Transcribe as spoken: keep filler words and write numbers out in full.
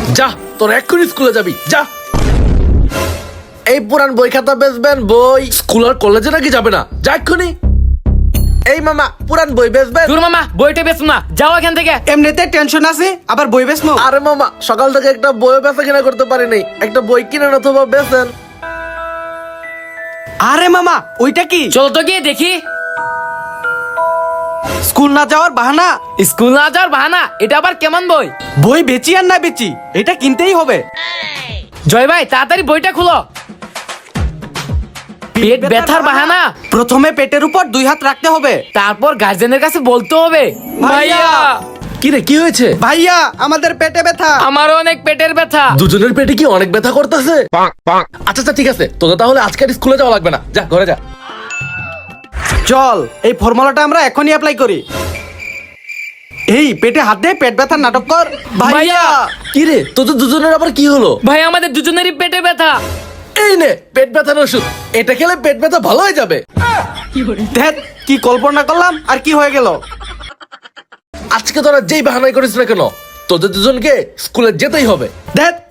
যা, তোর এক্ষুনি স্কুলে যাবি, যা। এই পুরান বই খাতা বেচবেন? বই স্কুল আর কলেজে নাকি যাবে না? যা এক্ষুনি। এই মামা, পুরান বই বেচবেন? তোর মামা বইটা বেচুন না, যাও এখান থেকে। এমনিতে টেনশন আছে, আবার বই বেচমো? আরে মামা, সকাল থেকে একটা বই বেচা কিনা করতে পারি নাই, একটা বই কিনেন অথবা বেচেন। আরে মামা, ওইটা কি? চলো তো গিয়ে দেখি। স্কুল না যাওয়ার বাহানা? স্কুল না যাওয়ার বাহানা? এটা আবার কেমন বই? বই বেচি আর না বেচি, এটা কিনতেই হবে। জয় ভাই, তাড়াতাড়ি বইটা খুলো। পেট ব্যথার বাহানা? প্রথমে পেটের উপর দুই হাত রাখতে হবে, তারপর গার্জেনের কাছে বলতে হবে ভাইয়া। কি রে, কি হয়েছে? ভাইয়া আমাদের পেটে ব্যথা। আমারও অনেক পেটের ব্যথা। দুজনের পেটে কি অনেক ব্যথা করতেছে? আচ্ছা আচ্ছা, ঠিক আছে, তোদের তাহলে আজকে আর স্কুলে যাওয়া লাগবে না, যা ঘরে যা। চল এই ফর্মুলাটা আমরা এখনই অ্যাপ্লাই করি। এই পেটে হাত দে, পেট ব্যথার নাটক কর। ভাইয়া। কি রে, তোদের দুজনের আবার কি হলো? ভাই আমাদের দুজনেরই পেটে ব্যথা। এই নে পেট ব্যথার ওষুধ, এটা খেলে পেট ব্যথা ভালো হয়ে যাবে। দেখ কি কল্পনা করলাম আর কি হয়ে গেল। আজকে তোরা যেই বাহানাই করিস না কেন, তোদের দুজনকে স্কুলে যেতেই হবে। দেখ